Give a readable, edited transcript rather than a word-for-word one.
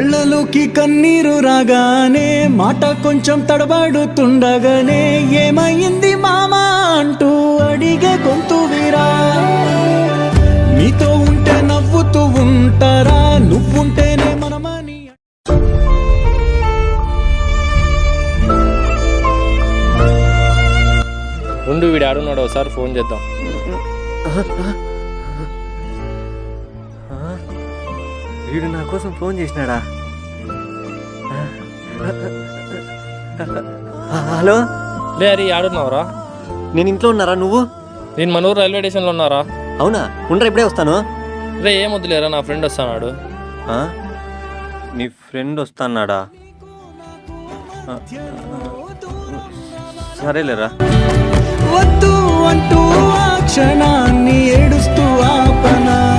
కళ్ళలోకి కన్నీరు రాగానే మాట కొంచెం తడబడుతుండగానే ఏమైంది మామా అంటూ అడిగే గొంతు వీరా. నీతో ఉంటే నవ్వుతూ ఉంటారా, నువ్వుంటేనే మనమని. ఉండు, వీడు ఆడున్నాడు, ఒకసారి ఫోన్ చేద్దాం. వీడు నా కోసం ఫోన్ చేసినాడా? హలో, లే అరే, ఆడున్నావురా? నేను ఇంట్లో ఉన్నారా? నువ్వు? నేను మనూరు రైల్వే స్టేషన్లో ఉన్నారా? అవునా? ఉండరా, ఇప్పుడే వస్తాను. రే ఏం వద్దులేరా, నా ఫ్రెండ్ వస్తాడు. నీ ఫ్రెండ్ వస్తాన్నాడా? సరేలేరా. వద్దు అంటూ ఆ క్షణాన్ని ఏడుస్తూ ఆపనా.